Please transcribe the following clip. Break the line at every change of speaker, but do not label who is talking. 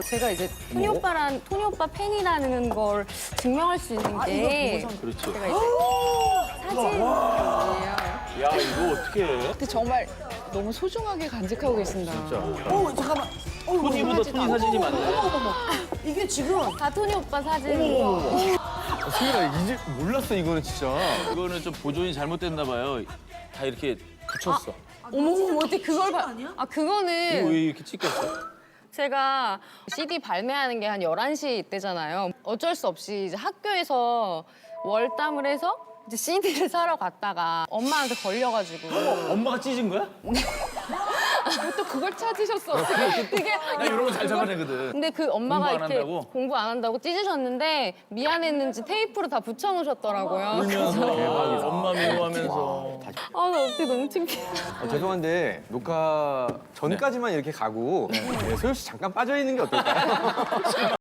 제가 이제 토니 오빠 팬이라는 걸 증명할 수 있는 게
그렇지.
제가 이제 사진이에요.
야, 이거 어떻게 해?
근데 정말 너무 소중하게 간직하고 계신다.
잠깐만.
토니보다 토니 사진이 많네.
이게 지금
다 토니 오빠 사진이고.
승민아 이제 몰랐어 이거는 진짜.
이거는 좀 보존이 잘못됐나 봐요. 다 이렇게 붙였어.
어머, 어떻게 그걸 봐. 아,
이거
그거는
왜 이렇게 찍혔어?
제가 CD 발매하는 게 한 11시 때잖아요. 어쩔 수 없이 이제 학교에서 월담을 해서 이제 CD를 사러 갔다가 엄마한테 걸려가지고.
엄마가 찢은 거야?
또 그걸 찾으셨어. 어떻게.
그게
나 이런 거 잘 잡아내거든.
근데 그 엄마가
공부 안
이렇게
한다고?
공부 안 한다고 찢으셨는데 미안했는지 테이프로 다 붙여놓으셨더라고요.
울면서 엄마 미워하면서.
아, 나 어떻게 너무 창피해.
죄송한데 녹화 전까지만 이렇게 가고 소율 씨 잠깐 빠져 있는 게 어떨까요?